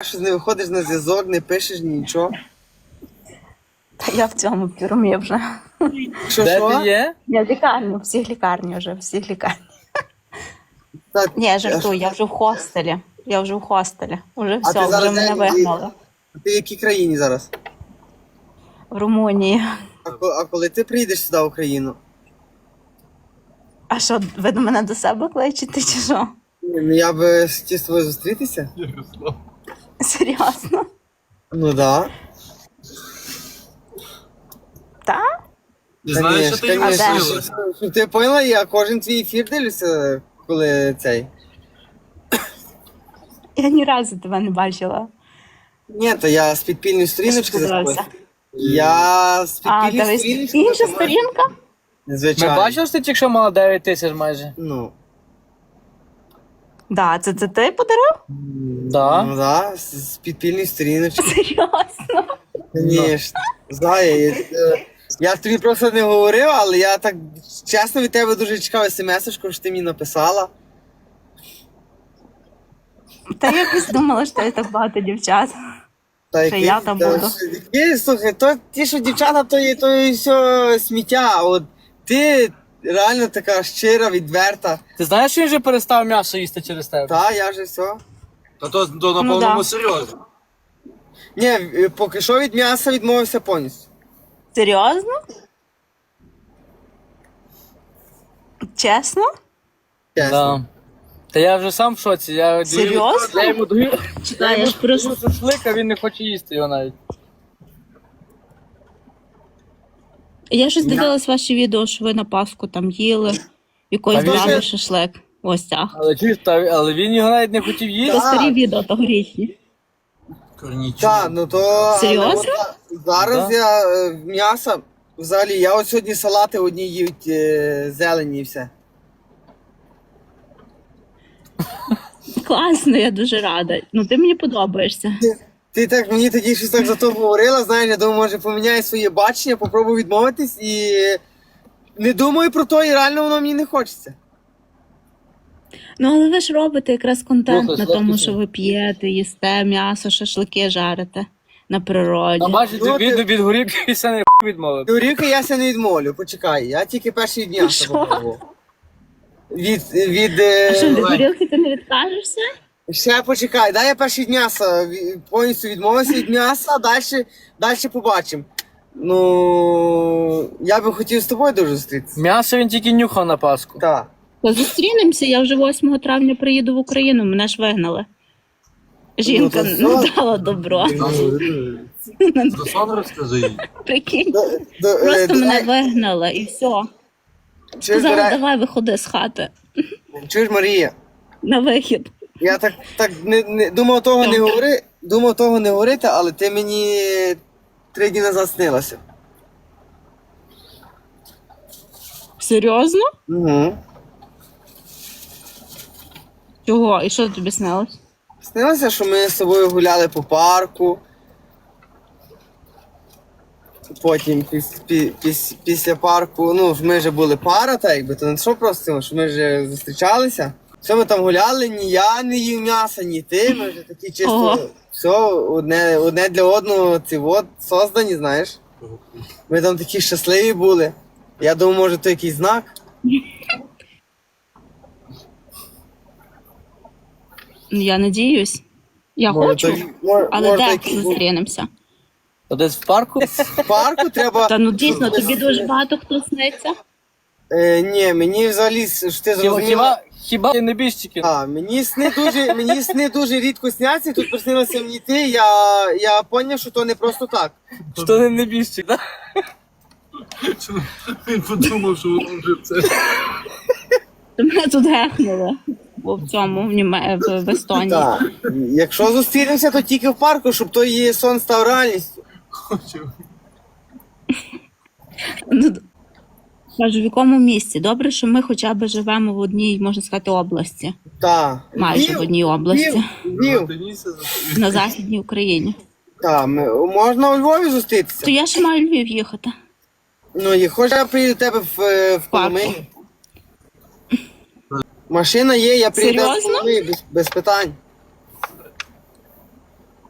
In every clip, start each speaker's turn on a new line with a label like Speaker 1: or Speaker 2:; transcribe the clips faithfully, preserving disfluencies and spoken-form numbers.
Speaker 1: Щось не виходиш на зв'язок, не пишеш нічого.
Speaker 2: Та я в цьому пірумі вже.
Speaker 1: Що,
Speaker 3: Де
Speaker 1: що?
Speaker 3: ти є?
Speaker 2: Я в лікарні, всіх лікарні вже, всіх лікарні.
Speaker 1: Та,
Speaker 2: Ні, я жартую, я вже в хостелі. Я вже в хостелі. Уже
Speaker 1: А
Speaker 2: все,
Speaker 1: ти
Speaker 2: вже
Speaker 1: зараз
Speaker 2: мене
Speaker 1: де?
Speaker 2: вигнали.
Speaker 1: Ти в якій країні зараз?
Speaker 2: В Румунії.
Speaker 1: А, ко- а коли ти приїдеш сюди в Україну?
Speaker 2: А що, ви до мене до себе кличете чи що?
Speaker 1: Ні, Ну я би хотів з тобою зустрітися.
Speaker 2: Серйозно?
Speaker 1: Ну да.
Speaker 2: Та?
Speaker 4: Ти знаєш, що ти йому
Speaker 2: конечно. А де?
Speaker 4: силась?
Speaker 1: Щоб ти поняла, я кожен твій ефір дивлюся, коли цей.
Speaker 2: Я ні разу тебе не бачила.
Speaker 1: Ні, то я з підпільної сторіночки
Speaker 2: Сподобався.
Speaker 1: заходжу. Я з
Speaker 2: А,
Speaker 1: підпільної
Speaker 2: дивись,
Speaker 1: сторіночки.
Speaker 2: інша
Speaker 1: заходжу.
Speaker 2: сторінка?
Speaker 3: Ми
Speaker 1: Звичайно.
Speaker 3: бачили, що ти тільки що мала дев'ять тисяч майже.
Speaker 1: Ну.
Speaker 2: Да, це, це ти подарив?
Speaker 3: Да.
Speaker 1: Ну да, з з підпільної сторіночки.
Speaker 2: Серйозно?
Speaker 1: Звісно. Знаю, я, е, я тобі просто не говорив, але я так чесно від тебе дуже чекав смс-очку, що ти мені написала.
Speaker 2: Та я якось думала, що є так багато дівчат.
Speaker 1: Та
Speaker 2: Що я там
Speaker 1: та
Speaker 2: буду.
Speaker 1: що- які, слухай, то ті, що дівчата, то є то є все сміття. А от ти реально така щира, відверта.
Speaker 3: Ти знаєш, що він вже перестав м'ясо їсти через тебе?
Speaker 1: Та, я вже все.
Speaker 4: Та то, то на
Speaker 2: Ну,
Speaker 4: повному
Speaker 2: да.
Speaker 4: серйозно.
Speaker 1: Ні, е, поки що від м'яса відмовився повністю.
Speaker 2: Серйозно? Чесно?
Speaker 1: Чесно.
Speaker 3: Да. Та я вже сам в шоці. Я
Speaker 2: Серйозно?
Speaker 3: Я йому даю
Speaker 2: Чекай, я ж просто...
Speaker 3: шашлик, а він не хоче їсти його навіть.
Speaker 2: Я щось дивилась ваші відео, що ви на Пасху там їли, якоїсь
Speaker 3: А він
Speaker 2: баби
Speaker 1: же-
Speaker 2: шашлик. Ось так.
Speaker 3: Але чуєш, та- але він його навіть не хотів
Speaker 2: Це
Speaker 3: їсти.
Speaker 2: старі відео тогорічні.
Speaker 4: Корнічі.
Speaker 1: Так, ну то. але
Speaker 2: Серйозно?
Speaker 1: от зараз
Speaker 3: Да.
Speaker 1: я е, м'ясо. Взагалі, я от сьогодні салати одні їють е, зелені і все.
Speaker 2: Класно, я дуже рада. Ну ти мені подобаєшся.
Speaker 1: Ти так мені тоді щось так за то говорила, знаєш, я думаю, може поміняю своє бачення, попробую відмовитись і не думаю про то, і реально воно мені не хочеться.
Speaker 2: Ну але ви ж робите якраз контент
Speaker 3: Слухай,
Speaker 2: на тому,
Speaker 3: слухай.
Speaker 2: що ви п'єте, їсте м'ясо, шашлики жарите на природі.
Speaker 3: А бачиш,
Speaker 1: Ну,
Speaker 3: він
Speaker 1: ти-
Speaker 3: від горівки і все не відмовив.
Speaker 1: Горівки я ся не відмовлю, почекай, я тільки перші дня
Speaker 2: Що?
Speaker 1: попробував. Від, від, е,
Speaker 2: А що, від
Speaker 4: давай.
Speaker 2: горілки ти не відкажешся?
Speaker 1: ще почекай, дай я перші дня са- ві- повністю відмовився від м'яса, далі, далі побачимо. Ну, я би хотів з тобою дуже зустрітися.
Speaker 3: М'ясо він тільки нюхав на Пасху.
Speaker 1: Так.
Speaker 2: То зустрінемося, я вже восьмого травня приїду в Україну, мене ж вигнали. Жінка
Speaker 1: Ну, то
Speaker 2: не
Speaker 1: все.
Speaker 2: дала добро.
Speaker 4: До сон розкажи їй.
Speaker 2: Прикинь,
Speaker 1: До- до- е,
Speaker 2: просто мене
Speaker 1: давай.
Speaker 2: вигнали і все.
Speaker 1: Чуєш,
Speaker 2: Сказала,
Speaker 1: Дарай-
Speaker 2: давай виходи з хати
Speaker 1: чуєш, Марія?
Speaker 2: на вихід.
Speaker 1: Я так, так не, не думав того не говори, думав того не говорити, але ти мені три дні назад снилася.
Speaker 2: Серйозно?
Speaker 1: Угу.
Speaker 2: Чого? І що тобі снилось?
Speaker 1: Снилося, що ми з собою гуляли по парку. Потім піс, пі, піс, після парку, ну, ми вже були пара, так якби, то не що просто, що ми вже зустрічалися. Все, ми там гуляли, ні я не їв м'яса, ні ти, ми вже такі чисто,
Speaker 2: Ого.
Speaker 1: все, одне, одне для одного, ці от, создані, знаєш. Ми там такі щасливі були. Я думаю, може, то якийсь знак.
Speaker 2: Я надіюсь. Я
Speaker 1: Може,
Speaker 2: хочу,
Speaker 1: то- може,
Speaker 2: але
Speaker 1: може, то
Speaker 2: де
Speaker 1: якийсь
Speaker 2: зустрінемося?
Speaker 3: То десь в парку?
Speaker 1: в парку треба.
Speaker 2: Та ну дійсно, тобі дуже багато хто сниться.
Speaker 1: Е, ні, мені взагалі, що ти
Speaker 3: Хіба,
Speaker 1: зрозуміла.
Speaker 3: хіба, хіба ти не біжчики?
Speaker 1: А, мені сни дуже, мені сни дуже рідко сняться, і тут приснилося мені ти, я, я поняв, що то не просто так.
Speaker 3: Що ти не біжчик, так?
Speaker 4: Він подумав, що воно вже це.
Speaker 2: То мене тут гехнули. Бо в цьому, в, Німе... в, в Естонії.
Speaker 1: Так. Якщо зустрінемося, то тільки в парку, щоб той її сон став реальністю.
Speaker 2: Ну, кажу, в якому місці? Добре, що ми хоча б живемо в одній, можна сказати, області.
Speaker 1: Так.
Speaker 2: Майже в одній області.
Speaker 1: Львів.
Speaker 2: На Західній Україні.
Speaker 1: Так, ми, можна у Львові зустрітися.
Speaker 2: То я ще маю в Львів їхати.
Speaker 1: Ну, і хоч я приїду до тебе в, е, в Коломиї. Машина є, я приїду в
Speaker 2: Серйозно?
Speaker 1: Коломиї без, без питань.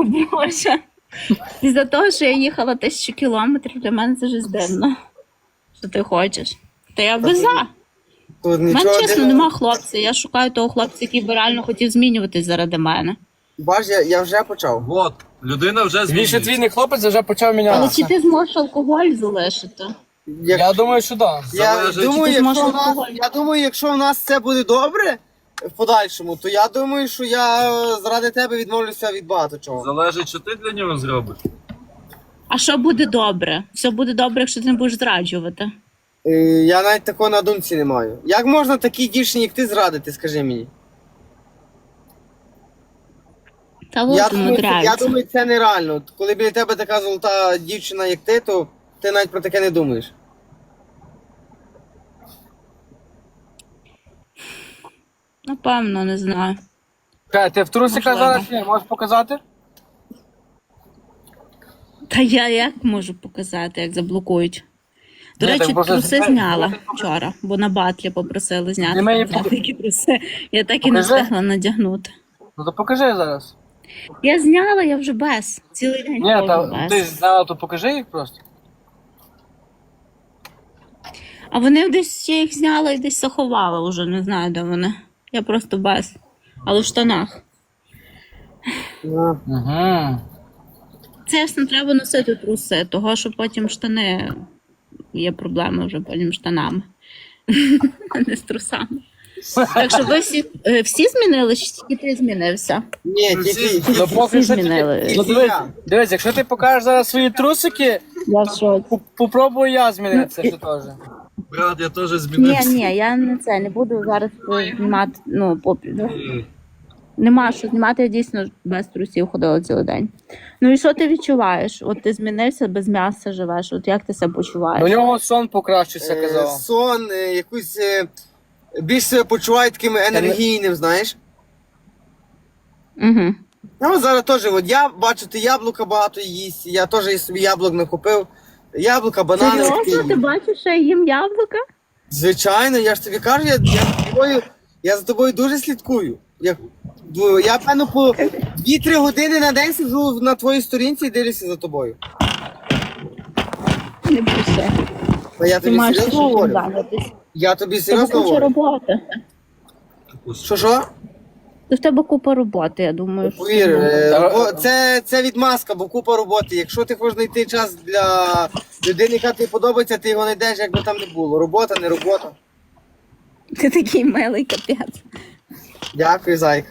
Speaker 2: Боже. Після того, що я їхала тисячу кілометрів, для мене це вже дивно. Що ти хочеш? Та я би за.
Speaker 1: Тут
Speaker 2: У мене
Speaker 1: нічого
Speaker 2: чесно
Speaker 1: дивного.
Speaker 2: нема хлопця. Я шукаю того хлопця, який би реально хотів змінюватись заради мене.
Speaker 1: Бач, я, я вже почав.
Speaker 4: Вот, людина вже
Speaker 3: Він ще
Speaker 4: змінюється.
Speaker 3: твій не хлопець, вже почав
Speaker 2: Але чи
Speaker 3: мінятися.
Speaker 2: ти зможеш алкоголь залишити?
Speaker 1: Як...
Speaker 3: Я думаю, що так.
Speaker 1: Я,
Speaker 4: Залежить,
Speaker 1: думаю,
Speaker 2: чи ти
Speaker 1: якщо
Speaker 2: зможеш
Speaker 1: у нас,
Speaker 2: алкоголь.
Speaker 1: я думаю, якщо у нас все буде добре в подальшому, то я думаю, що я заради тебе відмовлюся від багато чого.
Speaker 4: Залежить, що ти для нього зробиш.
Speaker 2: А що буде добре? Все буде добре, якщо ти не будеш зраджувати.
Speaker 1: Е, Я навіть такого на думці не маю. Як можна такій дівчині, як ти, зрадити, скажи мені?
Speaker 2: Та
Speaker 1: Я
Speaker 2: от
Speaker 1: думаю, це, я
Speaker 2: умудряється.
Speaker 1: думаю, це нереально. Коли біля тебе така золота дівчина, як ти, то ти навіть про таке не думаєш.
Speaker 2: Напевно, не знаю.
Speaker 3: Чекай, ти в трусиках
Speaker 2: Можливо.
Speaker 3: зараз є? Можеш показати?
Speaker 2: Та я як можу показати, як заблокують? До
Speaker 3: Ні,
Speaker 2: речі,
Speaker 3: так просто
Speaker 2: труси
Speaker 3: зняй.
Speaker 2: зняла вчора, бо на батлі попросили зняти.
Speaker 3: Зніми її,
Speaker 2: Показати, які труси. Я так і не
Speaker 3: Покажи.
Speaker 2: встигла надягнути.
Speaker 3: Ну то покажи зараз.
Speaker 2: Я зняла, я вже без. Цілий день
Speaker 3: Ні,
Speaker 2: ходжу
Speaker 3: та
Speaker 2: без.
Speaker 3: ти знала, то покажи їх просто.
Speaker 2: А вони десь я їх зняла і десь заховала вже, не знаю, де вони. Я просто без. Але в штанах.
Speaker 1: Ну,
Speaker 3: Угу.
Speaker 2: Чесно, треба носити труси, того що потім штани є проблеми вже потім з штанами. А не з трусами. Так що ви всі, е, всі змінили, чи тільки ти змінився?
Speaker 1: Ні,
Speaker 4: Ну,
Speaker 1: тільки...
Speaker 4: всі-
Speaker 3: Ну поки
Speaker 2: Всі
Speaker 3: що тільки-
Speaker 2: змінили.
Speaker 3: Ну дивись, дивись, якщо ти покажеш зараз свої трусики,
Speaker 2: Я в шоці.
Speaker 3: по- попробую я змінитися ще теж.
Speaker 4: Брат, я теж
Speaker 2: Ні,
Speaker 4: змінився.
Speaker 2: ні, я не це не буду зараз е, знімати. Ну, попі. ну. Нема що знімати, я дійсно без трусів ходила цілий день. Ну і що ти відчуваєш? От ти змінився, без м'яса живеш. От як ти себе почуваєш?
Speaker 3: У нього сон покращився,
Speaker 1: Е,
Speaker 3: казав.
Speaker 1: сон, е, якусь е, більш себе почуваю таким енергійним, знаєш.
Speaker 2: Угу.
Speaker 1: Ну, от зараз теж, от я бачу, ти яблука багато їсть, я теж і собі яблук накупив. Яблука, банани.
Speaker 2: Серйозно? Ти бачиш, що я їм яблука?
Speaker 1: Звичайно, я ж тобі кажу, я, я, за, тобою, я за тобою дуже слідкую. Я, ду- я певно, по дві-три години на день сиджу на твоїй сторінці і дивлюся за тобою.
Speaker 2: Не пише.
Speaker 1: А я
Speaker 2: Ти
Speaker 1: тобі
Speaker 2: маєш
Speaker 1: серйозно
Speaker 2: чим
Speaker 1: говорю.
Speaker 2: зайнятися.
Speaker 1: Я тобі
Speaker 2: В тебе
Speaker 1: серйозно
Speaker 2: куча
Speaker 1: говорю.
Speaker 2: роботи.
Speaker 1: Що що?
Speaker 2: То в тебе купа роботи, я думаю. що-
Speaker 1: Повір, е,
Speaker 3: Та-
Speaker 1: робо- це, це відмазка, бо купа роботи. Якщо ти хочеш знайти час для людини, яка тобі подобається, ти його знайдеш, як би там не було. Робота, не робота.
Speaker 2: Ти такий милий капець.
Speaker 1: Дякую, зайка.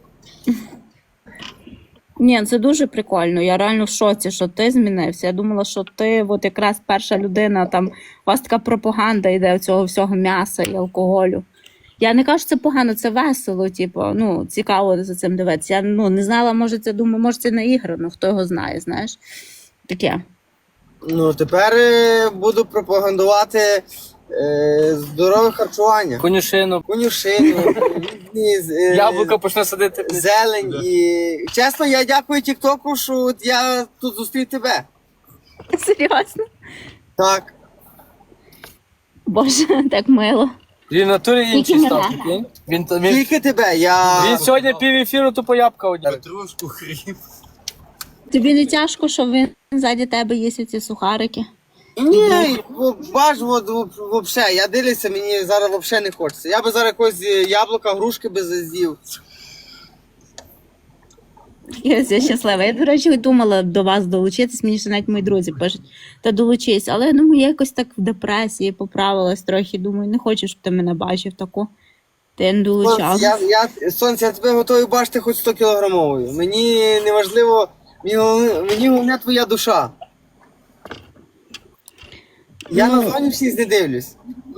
Speaker 2: Ні, це дуже прикольно. Я реально в шоці, що ти змінився. Я думала, що ти от якраз перша людина, там у вас така пропаганда йде цього всього м'яса і алкоголю. Я не кажу, що це погано, це весело, типу, ну, цікаво за цим дивитися. Я ну, не знала, може це думаю, може це наіграно, хто його знає, знаєш. Таке.
Speaker 1: Ну, тепер е, буду пропагандувати е, здорове харчування.
Speaker 3: Конюшину.
Speaker 1: Конюшину, різні е,
Speaker 3: Яблука почне садити.
Speaker 1: зелень. І чесно, я дякую Тіктоку, що от я тут зустрів тебе.
Speaker 2: Серйозно?
Speaker 1: Так.
Speaker 2: Боже, так мило.
Speaker 3: Він в натурі інший
Speaker 2: Тільки
Speaker 3: став.
Speaker 2: мене.
Speaker 3: прикинь. Він, то- він,
Speaker 1: Тільки тебе. Я...
Speaker 3: він сьогодні пів ефіру тупо ябка одів.
Speaker 4: Петрушку, хріб.
Speaker 2: Тобі не тяжко, що він ззаді тебе їсть ці сухарики?
Speaker 1: Ні, бо бач, от, вообще, я дивлюся, мені зараз вообще не хочеться. Я би зараз якось е, яблука, грушки би з'їв.
Speaker 2: Я, я щаслива. Я, до речі, думала до вас долучитись, мені ще навіть мої друзі пишуть, та долучись. Але я думаю, я якось так в депресії поправилась трохи. Думаю, не хочу, щоб ти мене бачив таку. Ти я не
Speaker 1: Сонце,
Speaker 2: долучалась.
Speaker 1: я, я, Сонце, я тебе готовий бачити хоч сто кілограмовою. Мені не важливо, мені, головне- мені головне твоя душа. Я
Speaker 2: Ну.
Speaker 1: на зовнішність не дивлюсь.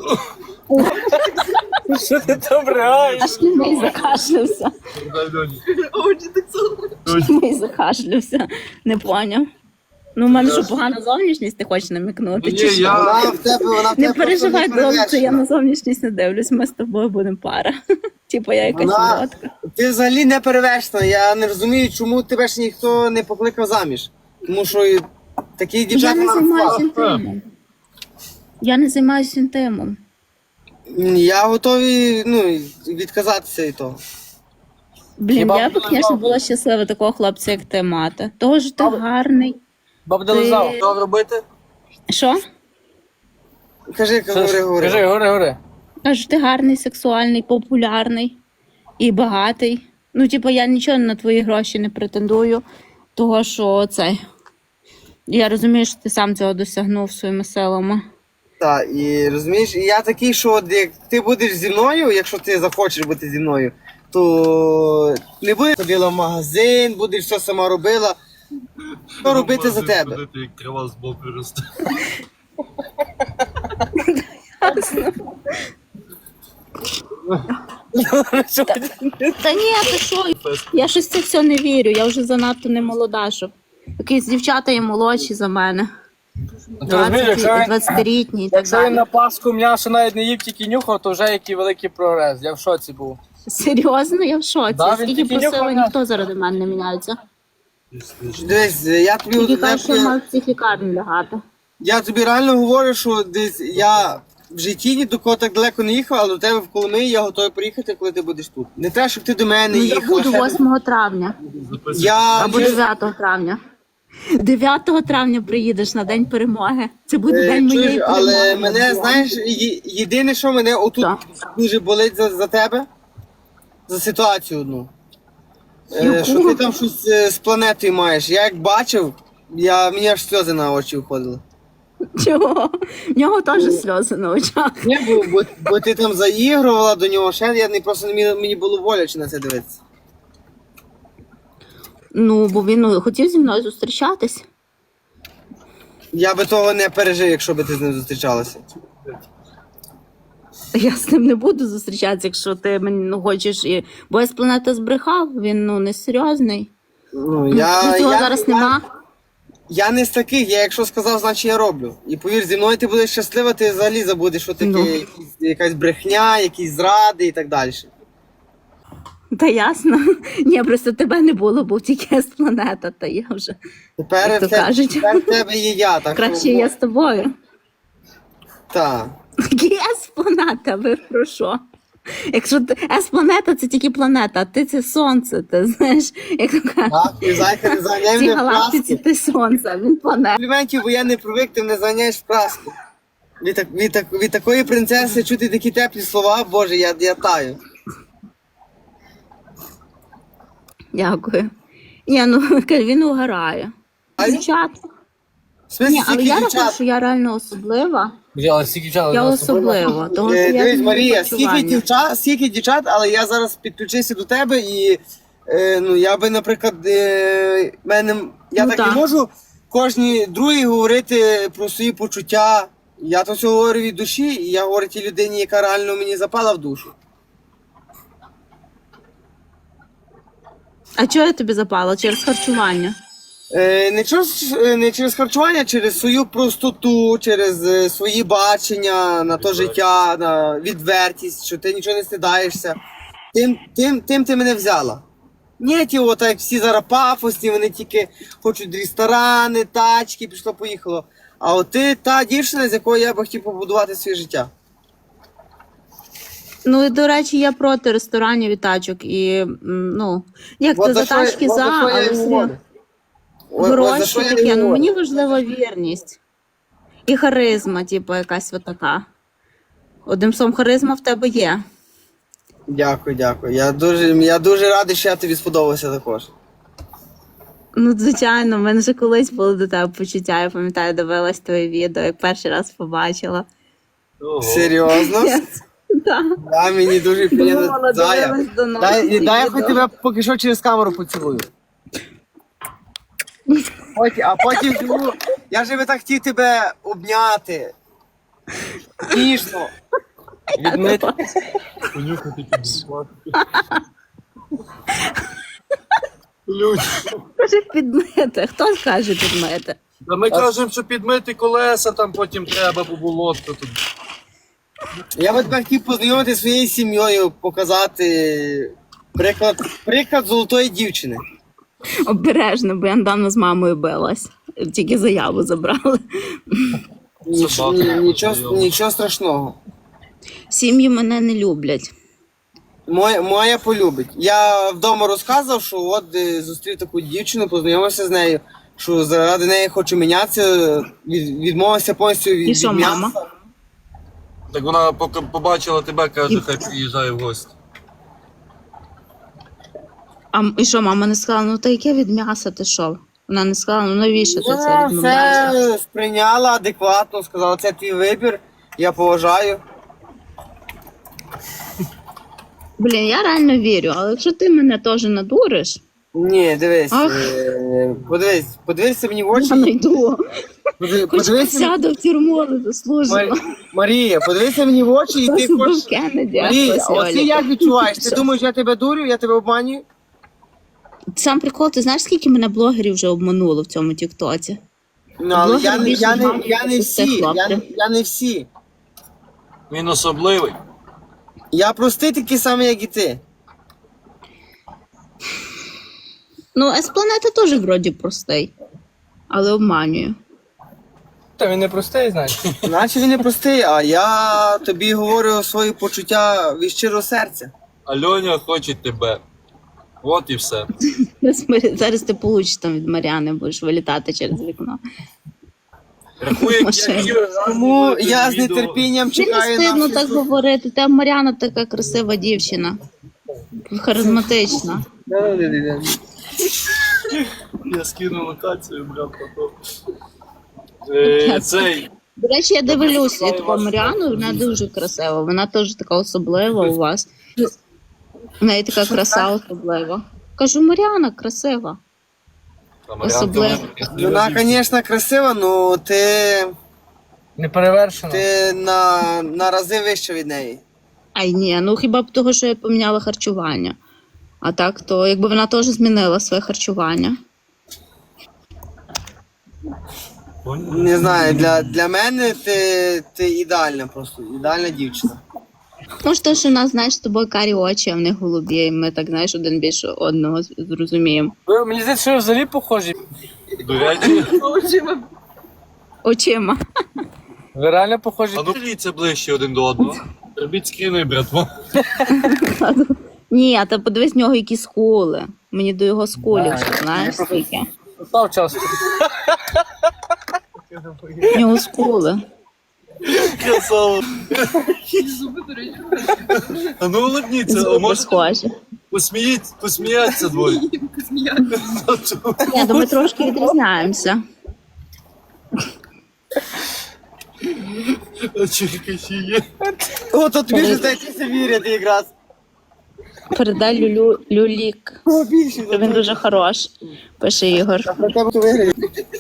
Speaker 3: Що ти там реаєш?
Speaker 2: Аж мій закашлявся.
Speaker 4: Дай Льоні.
Speaker 2: Мій закашлявся. Не поняв. Ну, в мене що погана зовнішність, ти хочеш намікнути?
Speaker 4: Ні,
Speaker 2: Чи що?
Speaker 4: я-
Speaker 1: Вона в тебе, вона в тебе
Speaker 2: Не
Speaker 1: просто
Speaker 2: переживай, Дон, що я
Speaker 1: неперевершена.
Speaker 2: на зовнішність не дивлюсь, ми з тобою будемо пара. Типу я якась
Speaker 1: Вона-
Speaker 2: солодка.
Speaker 1: Ти взагалі не перевершена. Я не розумію, чому тебе ж ніхто не покликав заміж. Тому що і такі
Speaker 2: Я
Speaker 1: дівчата
Speaker 2: не
Speaker 1: нам
Speaker 2: займаюся
Speaker 1: впали.
Speaker 2: інтимом. Я не займаюся інтимом.
Speaker 1: Я готовий ну, відказатися від того.
Speaker 2: Блін,
Speaker 3: Хіба
Speaker 2: я б,
Speaker 3: б
Speaker 2: звісно,
Speaker 3: лизав?
Speaker 2: була щаслива такого хлопця, як ти мати. Того ж ти
Speaker 3: Баб-
Speaker 2: гарний.
Speaker 3: Баб
Speaker 2: Ти-
Speaker 3: лизав.
Speaker 4: Що робити?
Speaker 2: Що?
Speaker 1: Кажи, говори, говори.
Speaker 3: Кажи, говори, говори.
Speaker 2: Кажу, ти гарний, сексуальний, популярний і багатий. Ну, типу, я нічого на твої гроші не претендую, того що цей. Я розумію, що ти сам цього досягнув своїми силами.
Speaker 1: Так, і розумієш, і я такий, що от як ти будеш зі мною, якщо ти захочеш бути зі мною, то не будеш ходила в магазин, будеш все сама робила. Що робити за тебе?
Speaker 4: Ходити, як трава з боку росте.
Speaker 2: Та ні, ти що? Я щось це все не вірю, я вже занадто не молода, щоб. Якісь дівчата є молодші за мене.
Speaker 3: Ти розумієш, якщо він,
Speaker 2: двадцятилітні і так
Speaker 3: якщо він
Speaker 2: далі.
Speaker 3: на Пасху м'ясо навіть не їв, тільки нюхав, то вже який великий прогрес. Я в шоці був.
Speaker 2: Серйозно, я в шоці.
Speaker 3: Да, він
Speaker 2: Скільки
Speaker 3: тільки
Speaker 2: просила,
Speaker 3: нюхав,
Speaker 2: ніхто заради мене не міняється.
Speaker 1: Дивись, я тобі,
Speaker 2: Тільки
Speaker 1: я,
Speaker 2: кажуть, що
Speaker 1: я,
Speaker 2: мав в психлікарні лягати.
Speaker 1: я тобі реально говорю, що десь я в житті ні до кого так далеко не їхав, але до тебе в Коломиї я готовий приїхати, коли ти будеш тут. Не те, щоб ти до мене
Speaker 2: Ну, я
Speaker 1: їхав.
Speaker 2: буду восьмого травня
Speaker 1: Я,
Speaker 2: або дев'ятого травня. дев'ятого травня приїдеш на День перемоги. Це буде
Speaker 1: Е,
Speaker 2: день моєї
Speaker 1: чуєш,
Speaker 2: перемоги.
Speaker 1: але мене, знаєш, є- єдине, що мене отут
Speaker 2: Так.
Speaker 1: дуже болить за, за тебе, за ситуацію одну. Е,
Speaker 2: Яку?
Speaker 1: що ти там щось е, з планетою маєш. Я як бачив, я, мені аж сльози на очі виходили.
Speaker 2: Чого? В нього теж сльози на очах.
Speaker 1: Ні, бо, бо, бо ти там заігрувала до нього, ще я не просто не міг- мені було боляче на це дивитися.
Speaker 2: Ну, бо він ну, хотів зі мною зустрічатись.
Speaker 1: Я би того не пережив, якщо би ти з ним зустрічалася.
Speaker 2: Я з ним не буду зустрічатися, якщо ти мені ну, хочеш. І... Бо я з планети збрехав, він ну несерйозний.
Speaker 1: Ну, я,
Speaker 2: Ну, цього
Speaker 1: я,
Speaker 2: зараз
Speaker 1: я,
Speaker 2: нема.
Speaker 1: я не з таких, я якщо сказав, значить я роблю. І повір, зі мною ти будеш щаслива, ти взагалі забудеш, що таке
Speaker 2: Ну.
Speaker 1: якісь, якась брехня, якісь зради і так далі.
Speaker 2: Та ясно. Ні, просто тебе не було, був тільки з планета, та я вже.
Speaker 1: Тепер,
Speaker 2: Як то
Speaker 1: в тебе,
Speaker 2: кажуть.
Speaker 1: тепер в тебе є я, так
Speaker 2: Краще
Speaker 1: що,
Speaker 2: я з тобою.
Speaker 1: Так.
Speaker 2: С-планета, ви про що? Якщо ти С-планета це тільки планета, а ти це сонце, ти знаєш, як то кажуть.
Speaker 1: Так, і зайка не
Speaker 2: В
Speaker 1: заганяй
Speaker 2: цій
Speaker 1: мене в
Speaker 2: галактиці
Speaker 1: праски.
Speaker 2: ти сонце, а він планета.
Speaker 1: Компліментів, бо я не привик, ти мене заганяєш в праску. Від, так, від, так, від такої принцеси чути такі теплі слова, боже, я, я таю.
Speaker 2: Дякую. Ні, ну він угорає.
Speaker 1: А
Speaker 2: Дівчат.
Speaker 1: В смислі,
Speaker 2: Ні, але
Speaker 1: скільки
Speaker 2: я рахую,
Speaker 1: дівчат?
Speaker 2: що я реально особлива.
Speaker 3: Бля, але стільки часу.
Speaker 2: Я
Speaker 3: у нас
Speaker 2: особлива. Тому що
Speaker 1: Е,
Speaker 2: я
Speaker 1: Дивись,
Speaker 2: змінюю
Speaker 1: Марія, скільки
Speaker 2: харчування.
Speaker 1: дівчат, скільки дівчат, але я зараз підключуся до тебе і е, ну, я би, наприклад, е, мене, я
Speaker 2: Ну,
Speaker 1: так,
Speaker 2: так.
Speaker 1: не можу кожній другій говорити про свої почуття. Я то все говорю від душі, і я говорю тій людині, яка реально мені запала в душу.
Speaker 2: А чого я тобі запала? Через харчування?
Speaker 1: Е, не, через, е, не через харчування, а через свою простоту, через е, свої бачення на то життя, на відвертість, що ти нічого не стидаєшся. Тим, тим, тим ти мене взяла. Ні, ті, от як всі зараз пафосні, вони тільки хочуть ресторани, тачки, пішло, поїхало. А от ти та дівчина, з якою я би хотів побудувати своє життя.
Speaker 2: Ну і до речі, я проти ресторанів і тачок. І м, ну, як
Speaker 1: От
Speaker 2: ти за
Speaker 1: що я-
Speaker 2: тачки
Speaker 1: от
Speaker 2: за,
Speaker 1: що я
Speaker 2: але
Speaker 1: і
Speaker 2: все.
Speaker 1: говорю. От- от за що
Speaker 2: Гроші
Speaker 1: я і
Speaker 2: таке. Ну
Speaker 1: говорю.
Speaker 2: мені важлива вірність. І харизма, типу, якась от така. Одним словом, харизма в тебе є.
Speaker 1: Дякую, дякую. Я дуже, я дуже радий, що я тобі сподобався також.
Speaker 2: Ну, звичайно, в мене вже колись було до тебе почуття. Я пам'ятаю, дивилась твоє відео, як перший раз побачила.
Speaker 4: Ого.
Speaker 1: Серйозно?
Speaker 2: Так.
Speaker 1: Да, мені дуже приємно.
Speaker 2: Думала,
Speaker 1: Зая.
Speaker 2: дивилась до нас
Speaker 1: Дай,
Speaker 2: ці
Speaker 1: дай я
Speaker 2: відео.
Speaker 1: хоч тебе поки що через камеру поцілую. Потім, а потім ну, я же би так хотів тебе обняти. Ніжно. Відмити.
Speaker 4: Понюхати підсмати. Люди.
Speaker 2: Каже, підмити. Хто скаже підмити?
Speaker 4: Та ми кажемо, що підмити колеса там потім треба, бо було то тут.
Speaker 1: Я би тебе хотів познайомити зі своєю сім'єю, показати приклад, приклад золотої дівчини.
Speaker 2: Обережно, бо я недавно з мамою билась. Тільки заяву забрали.
Speaker 1: Ніч,
Speaker 4: Собака.
Speaker 1: ні, нічого, нічого страшного.
Speaker 2: Сім'ї мене не люблять.
Speaker 1: Моя, моя полюбить. Я вдома розказував, що от е, зустрів таку дівчину, познайомився з нею, що заради неї хочу мінятися, від, відмовився повністю від,
Speaker 2: І що,
Speaker 1: від м'яса.
Speaker 2: мама?
Speaker 4: Так вона поки побачила тебе, каже, хай приїжджає в гості.
Speaker 2: А м- і що, мама не сказала, ну та яке від м'яса ти що? Вона не сказала, ну навіщо ти це
Speaker 1: Вона
Speaker 2: відмовляєшся?
Speaker 1: все сприйняла адекватно, сказала, це твій вибір, я поважаю.
Speaker 2: Блін, я реально вірю, але якщо ти мене теж надуриш,
Speaker 1: Ні, дивись,
Speaker 2: Ах.
Speaker 1: е, подивись, подивися мені в
Speaker 2: я
Speaker 1: очі.
Speaker 2: найду.
Speaker 1: Подивись,
Speaker 2: Хоч
Speaker 1: подивися,
Speaker 2: сяду в тюрму, але заслужила.
Speaker 1: Мар- Марія, подивися мені в очі і
Speaker 2: Хтось
Speaker 1: ти
Speaker 2: убив
Speaker 1: хочеш.
Speaker 2: Кеннеді, а
Speaker 1: Марія,
Speaker 2: хтось
Speaker 1: оце
Speaker 2: Олі.
Speaker 1: як відчуваєш? Ти
Speaker 2: Все.
Speaker 1: думаєш, я тебе дурю, я тебе обманюю?
Speaker 2: Сам прикол, ти знаєш, скільки мене блогерів вже обмануло в цьому тіктоці?
Speaker 1: Ну, але я,
Speaker 2: Блогери
Speaker 1: не- я, не,
Speaker 2: більше
Speaker 1: я не
Speaker 2: знають, що це
Speaker 1: всі, я,
Speaker 2: хлопці.
Speaker 1: не- я не всі.
Speaker 4: Він особливий.
Speaker 1: Я простий такий самий, як і ти.
Speaker 2: Ну, С-планета теж вроді простий, але обманює.
Speaker 3: Та він не простий, знаєш.
Speaker 1: Наче він не простий, а я тобі говорю свої почуття від щирого серця.
Speaker 4: Альоня хоче тебе. От і все.
Speaker 2: Зараз ми- Зараз ти получиш там від Маріани, будеш вилітати через вікно.
Speaker 4: Рахує, як
Speaker 2: Машина.
Speaker 4: я
Speaker 1: Тому я з нетерпінням
Speaker 2: Чи не
Speaker 1: чекаю
Speaker 2: стидно
Speaker 1: на
Speaker 2: так говорити? Та Маріана така красива дівчина. Харизматична.
Speaker 4: Я скину локацію, брат, потім. Е, Цей.
Speaker 2: До речі, я дивлюся, я таку Маріану, вона дуже красива. Вона теж така особлива у вас. У неї така краса особлива. Кажу, Маріана красива.
Speaker 4: Там
Speaker 2: Особливо.
Speaker 1: Вона, звісно, красива, але ти,
Speaker 3: Не перевершено.
Speaker 1: ти на, на рази вище від неї.
Speaker 2: Ай ні, ну хіба б того, що я поміняла харчування. А так, то якби вона теж змінила своє харчування.
Speaker 1: Не знаю, для, для мене ти, ти ідеальна просто, ідеальна дівчина.
Speaker 2: Може, то, що в нас, знаєш, з тобою карі очі, а в них голубі, і ми так, знаєш, один більше одного з- зрозуміємо.
Speaker 3: Ви, мені здається, що ви взагалі похожі.
Speaker 4: До речі,
Speaker 2: Очима.
Speaker 3: Ви реально похожі.
Speaker 4: а ну дивіться ближче один до одного. Робіть скріни, братва.
Speaker 2: Ні, а та подивись в нього які скули. Мені до його скулів, що знаєш, скільки.
Speaker 3: Став час.
Speaker 2: В нього скули.
Speaker 4: Красава. А ну улыбніться, а
Speaker 2: Зуби
Speaker 4: може
Speaker 2: схожі.
Speaker 4: посміють, посміяться двоє.
Speaker 2: Ні, то ми трошки відрізняємося.
Speaker 4: А черкаші є.
Speaker 1: О, то тобі ж здається вірити якраз.
Speaker 2: Передай Люлю Люлік.
Speaker 1: О, більше.
Speaker 2: Що він дуже хорош, пише Ігор.
Speaker 1: Про тебе то виграє.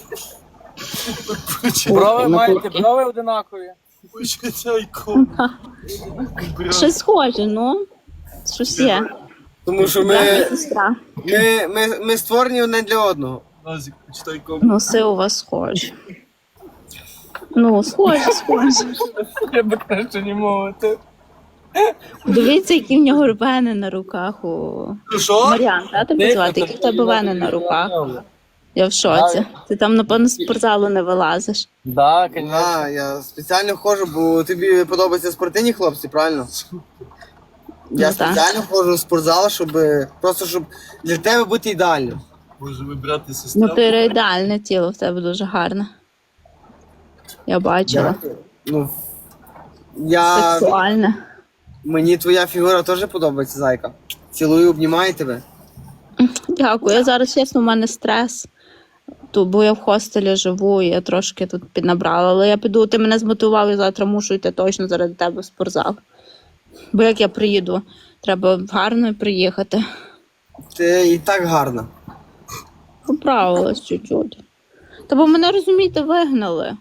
Speaker 3: Брови маєте, брови одинакові.
Speaker 4: Почекайко.
Speaker 2: Щось схоже, ну. Щось є.
Speaker 1: Тому що
Speaker 2: Брат і
Speaker 1: ми,
Speaker 2: сестра.
Speaker 1: ми, ми, ми створені одне для одного.
Speaker 4: Назік, почитайко.
Speaker 2: Носи у вас схожі. Ну, схожі, схожі.
Speaker 3: Я би краще не мовити.
Speaker 2: Дивіться, які в нього вени на руках у
Speaker 4: Що?
Speaker 2: Маріан, та тебе звати? Які в тебе вени на руках? Я в шоці. Ти там, напевно, з спортзалу не вилазиш.
Speaker 3: Да, звісно.
Speaker 1: Да, я спеціально ходжу, бо тобі подобаються спортивні хлопці, правильно? Я
Speaker 2: Ну, так.
Speaker 1: спеціально ходжу в спортзал, щоб просто щоб для тебе бути ідеальним.
Speaker 4: Може ви брат і
Speaker 2: Ну,
Speaker 4: сестра?
Speaker 2: ти ідеальне тіло, в тебе дуже гарне. Я бачила.
Speaker 1: Ну, я...
Speaker 2: Сексуальне.
Speaker 1: Мені твоя фігура теж подобається, зайка. Цілую, обнімаю тебе.
Speaker 2: Дякую. Я зараз, чесно, в мене стрес. То, бо я в хостелі живу, і я трошки тут піднабрала. Але я піду, ти мене змотивував, і завтра мушу йти точно заради тебе в спортзал. Бо як я приїду, треба гарно приїхати.
Speaker 1: Ти і так гарна.
Speaker 2: Поправилась чуть-чуть. Та бо мене, розумієте, вигнали.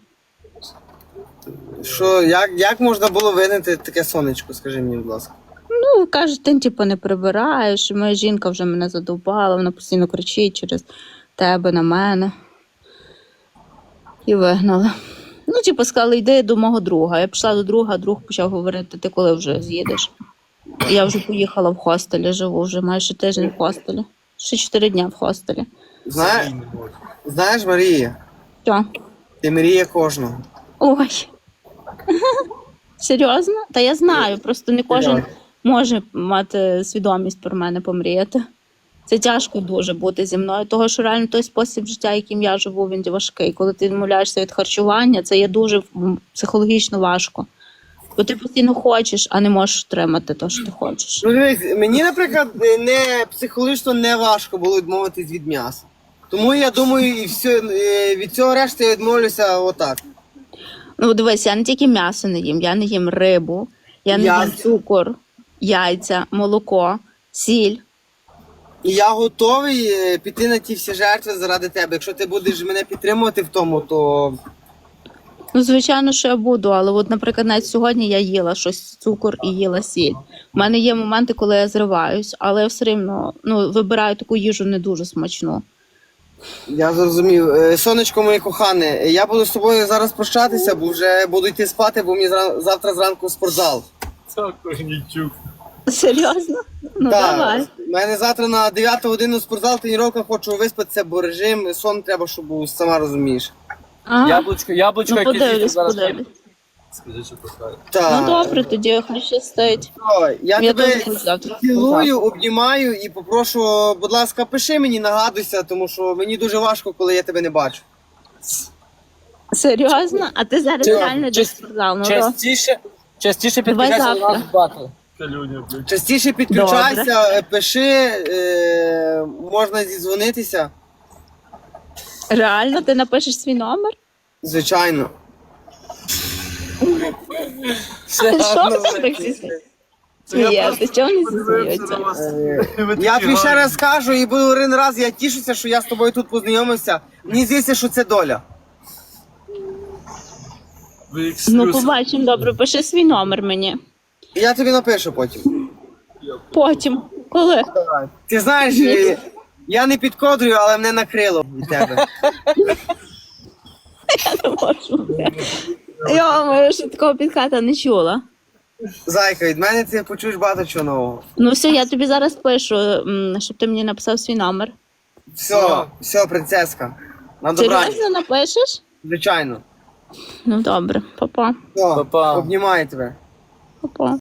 Speaker 1: Що, як, як можна було винити таке сонечко, скажи мені, будь ласка.
Speaker 2: Ну, кажуть, ти типу не прибираєш, і моя жінка вже мене задовбала, вона постійно кричить через тебе на мене. І вигнали. Ну, типу, сказали, йди до мого друга. Я пішла до друга, друг почав говорити, ти коли вже з'їдеш. І я вже поїхала в хостелі, живу вже майже тиждень в хостелі. Ще чотири дня в хостелі.
Speaker 1: Знає, знаєш, Марія,
Speaker 2: Що?
Speaker 1: ти мрія кожного.
Speaker 2: Ой. Серйозно? Та я знаю, просто не кожен може мати свідомість про мене помріяти. Це тяжко дуже бути зі мною, того що реально той спосіб життя, яким я живу, він важкий. Коли ти відмовляєшся від харчування, це є дуже м, психологічно важко. Бо ти постійно хочеш, а не можеш отримати те, що ти хочеш.
Speaker 1: Ну дивись, мені, наприклад, не психологічно не важко було відмовитись від м'яса. Тому я думаю, і все, е, від цього решти я відмовлюся отак.
Speaker 2: Ну, дивись, я не тільки м'ясо не їм, я не їм рибу, я не
Speaker 1: Я-
Speaker 2: їм цукор, яйця, молоко, сіль.
Speaker 1: І я готовий е, піти на ті всі жертви заради тебе. Якщо ти будеш мене підтримувати в тому, то
Speaker 2: Ну, звичайно, що я буду, але от, наприклад, навіть сьогодні я їла щось цукор і їла сіль. У мене є моменти, коли я зриваюсь, але я все рівно ну, вибираю таку їжу не дуже смачну.
Speaker 1: я зрозумів. Е, Сонечко моє кохане, я буду з тобою зараз прощатися, бо вже буду йти спати, бо мені зра- завтра зранку в спортзал.
Speaker 4: Це Корнійчук.
Speaker 2: Серйозно? Ну,
Speaker 1: Так,
Speaker 2: давай.
Speaker 1: У мене завтра на дев'яту годину спортзал, тренування, хочу виспатися, бо режим, сон треба, щоб був, сама розумієш.
Speaker 2: Ага.
Speaker 3: Яблучко, яблучко,
Speaker 2: Ну,
Speaker 3: яке з'їсти
Speaker 2: подивлюсь,
Speaker 3: зараз.
Speaker 2: подивлюсь.
Speaker 4: Скажи, що кохає.
Speaker 1: Так.
Speaker 2: Ну, добре, тоді хай щастить.
Speaker 1: Ой, я,
Speaker 2: Я
Speaker 1: тебе
Speaker 2: теж буду завтра.
Speaker 1: цілую, обнімаю і попрошу, будь ласка, пиши мені, нагадуйся, тому що мені дуже важко, коли я тебе не бачу.
Speaker 2: Серйозно? А ти зараз
Speaker 3: Чи-
Speaker 2: реально йдеш в
Speaker 3: чи-
Speaker 2: спортзал? Ну, то-
Speaker 3: Частіше, частіше
Speaker 2: Давай
Speaker 3: підключайся до
Speaker 2: завтра.
Speaker 3: нас батл.
Speaker 4: Калюня, блядь.
Speaker 1: Частіше підключайся, е, пиши, е, можна зідзвонитися.
Speaker 2: Реально, ти напишеш свій номер?
Speaker 1: Звичайно.
Speaker 3: Все,
Speaker 2: Що
Speaker 3: ну,
Speaker 2: ти так зі
Speaker 4: Це я
Speaker 2: смієшся?
Speaker 4: просто
Speaker 2: Чого вони
Speaker 4: подивився
Speaker 2: зізнаються?
Speaker 4: на вас.
Speaker 1: Е,
Speaker 4: Ви
Speaker 1: Я
Speaker 4: такі
Speaker 1: тобі ще
Speaker 4: гарні.
Speaker 1: раз скажу і буду один раз, я тішуся, що я з тобою тут познайомився. Мені здається, що це доля.
Speaker 4: Ви як
Speaker 2: Ну,
Speaker 4: слюса.
Speaker 2: побачимо, добре, пиши свій номер мені.
Speaker 1: І я тобі напишу потім.
Speaker 2: Потім. Коли?
Speaker 1: Ти знаєш, е, я не підкодрюю, але мене накрило від тебе.
Speaker 2: Я не можу. Я маю, що такого підката не чула.
Speaker 1: Зайка, від мене ти почуєш багато чого нового.
Speaker 2: Ну все, я тобі зараз пишу, м, щоб ти мені написав свій номер.
Speaker 1: Все, все, принцеска. На добраніч.
Speaker 2: Серйозно напишеш?
Speaker 1: Звичайно.
Speaker 2: Ну добре, па-па.
Speaker 1: Все,
Speaker 3: Па-па.
Speaker 1: обнімаю тебе.
Speaker 2: Па-па.